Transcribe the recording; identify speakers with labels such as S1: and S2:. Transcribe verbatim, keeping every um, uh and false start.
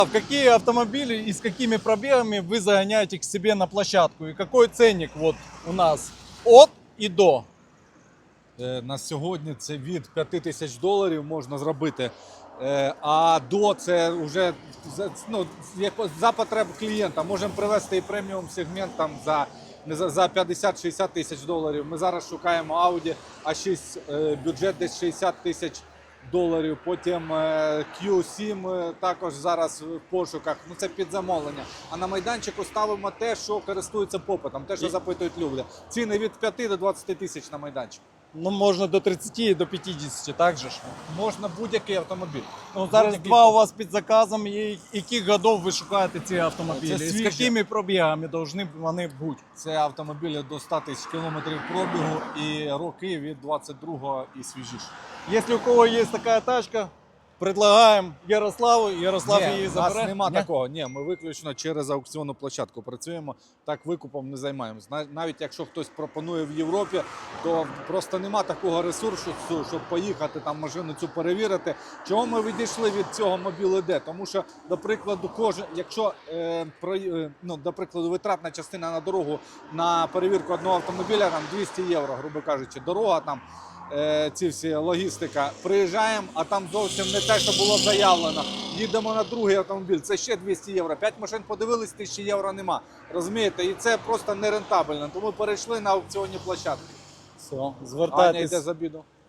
S1: В какие автомобили и с какими пробегами вы загоняете к себе на площадку? И какой ценник вот у нас от и до?
S2: Е, На сьогодні це від п'яти тисяч доларів можна зробити. Е, А до це вже за, ну, як за потреб клієнта. Можемо привезти і преміум сегмент там за, не за, за п'ятдесят-шістдесят тисяч доларів. Ми зараз шукаємо Audi а шість, е, бюджет десь шістдесят тисяч доларів. Потім е, кью сім е, також зараз в пошуках. Ну це під замовлення. А на майданчику ставимо те, що користується попитом, те, що запитують люди. Ціни від п'яти до двадцяти тисяч на майданчику.
S1: Ну, можно до тридцати и до пятидесяти, так же ж?
S2: Можна будь-який автомобіль.
S1: Ну, зараз
S2: Будь-який.
S1: два у вас під заказом, і яких годов ви шукаєте ці автомобілі?
S2: Це
S1: І з
S2: свіжі.
S1: якими пробігами повинні вони бути?
S2: Це автомобілі до ста тисяч кілометрів пробігу і роки від двадцять другого і свіжіше.
S1: Якщо у кого є така тачка, предлагаємо Ярославу, Ярослав її
S2: Ні, у
S1: забере.
S2: нас нема
S1: Ні?
S2: такого. Ні, ми виключно через аукціонну площадку працюємо. Так викупом не займаємось. Нав- Навіть якщо хтось пропонує в Європі, то просто нема такого ресурсу, щоб поїхати там машину цю перевірити. Чого ми відійшли від цього мобіли Д? Тому що, до прикладу, кожен, якщо е, про, е, ну, до прикладу, витратна частина на дорогу на перевірку одного автомобіля там двісті євро, грубо кажучи, дорога там. Е, ці всі логістика. Приїжджаємо, а там зовсім не те, що було заявлено. Їдемо на другий автомобіль, це ще двісті євро. П'ять машин подивились, тисячі євро нема. Розумієте? І це просто нерентабельно. Тому перейшли на аукціонні площадки.
S1: Все,
S2: Аня
S1: звертайтесь.
S2: йде з обіду.